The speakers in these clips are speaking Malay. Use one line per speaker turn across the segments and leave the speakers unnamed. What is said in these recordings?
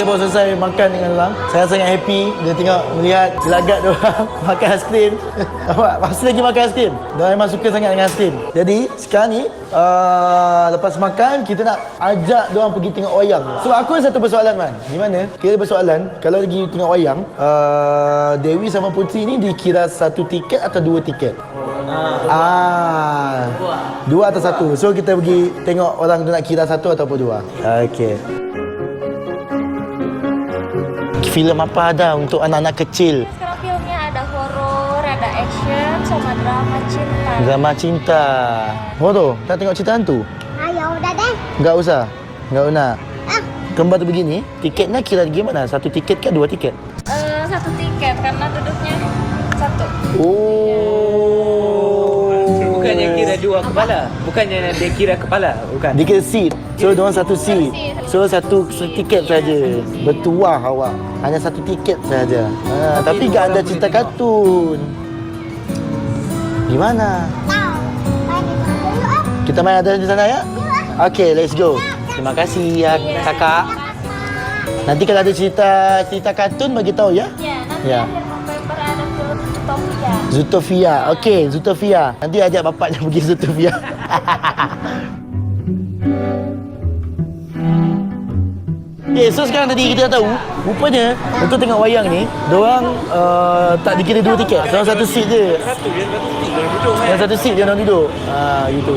Kita baru selesai makan dengan orang. Saya sangat happy dia tengok melihat gelagat dia orang makan aiskrim. Nampak? Masih lagi makan aiskrim. Dia memang suka sangat dengan aiskrim. Jadi sekarang ni lepas makan kita nak ajak dia orang pergi tengok wayang. So aku ada satu persoalan Man. Gimana? Kita ada persoalan kalau pergi tengok wayang, Dewi sama Putri ni dikira satu tiket atau dua tiket? Dua atau satu. So kita pergi tengok orang tu nak kira satu ataupun dua. Okey. Filem apa ada untuk anak-anak kecil?
Sekarang filmnya ada horor, ada action, sama drama cinta.
Drama cinta. Horor? Tak tengok cerita hantu?
Ayo, udah deh.
Enggak usah. Enggak nak. Kembar tu begini, tiketnya kira gimana? Satu tiket ke dua tiket?
Satu tiket karena duduknya satu.
Bukannya kira dua kepala. Bukannya dia kira kepala. Bukan.
Dia kira seat. So, diorang satu seat. So, satu tiket saja. Bertuah awak. Hanya satu tiket saja. Tapi tak ada cerita kartun. Gimana? Kita main ada di sana ya? Okay, let's go. Terima kasih ya kakak. Nanti kalau ada cerita kartun bagi tahu ya.
Ya, nanti akhir November ada film Zootopia.
Zootopia. Okey, Zootopia. Nanti ajak bapaknya pergi Zootopia. Okay, so sekarang tadi kita dah tahu rupanya untuk tengok wayang ni diorang tak dikira dua tiket. Diorang satu seat je. Yang satu seat je diorang duduk. Gitu.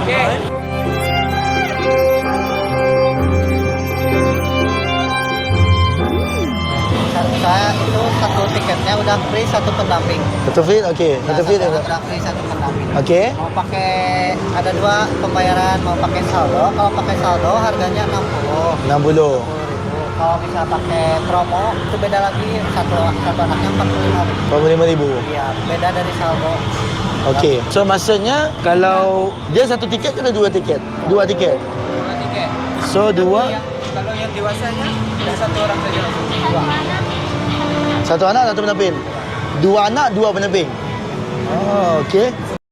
Saya itu satu tiketnya udah free, satu pendamping.
Satu fit? Okey. Satu fit.
Udah free, satu pendamping.
Okey.
Mau pakai ada dua pembayaran, mau pakai saldo. Kalau pakai saldo harganya 60.
60.
Kalau bisa pakai promo itu beda lagi, satu anaknya 45.000.
45,000.
Iya, beda dari saldo.
Okey. So maksudnya kalau dia satu tiket ke dua tiket? Dua tiket.
Dua tiket.
So dua.
Kalau yang dewasanya dah satu orang saja langsung. Dua.
Satu anak, satu pendamping. Dua anak, dua pendamping. Oh, okey.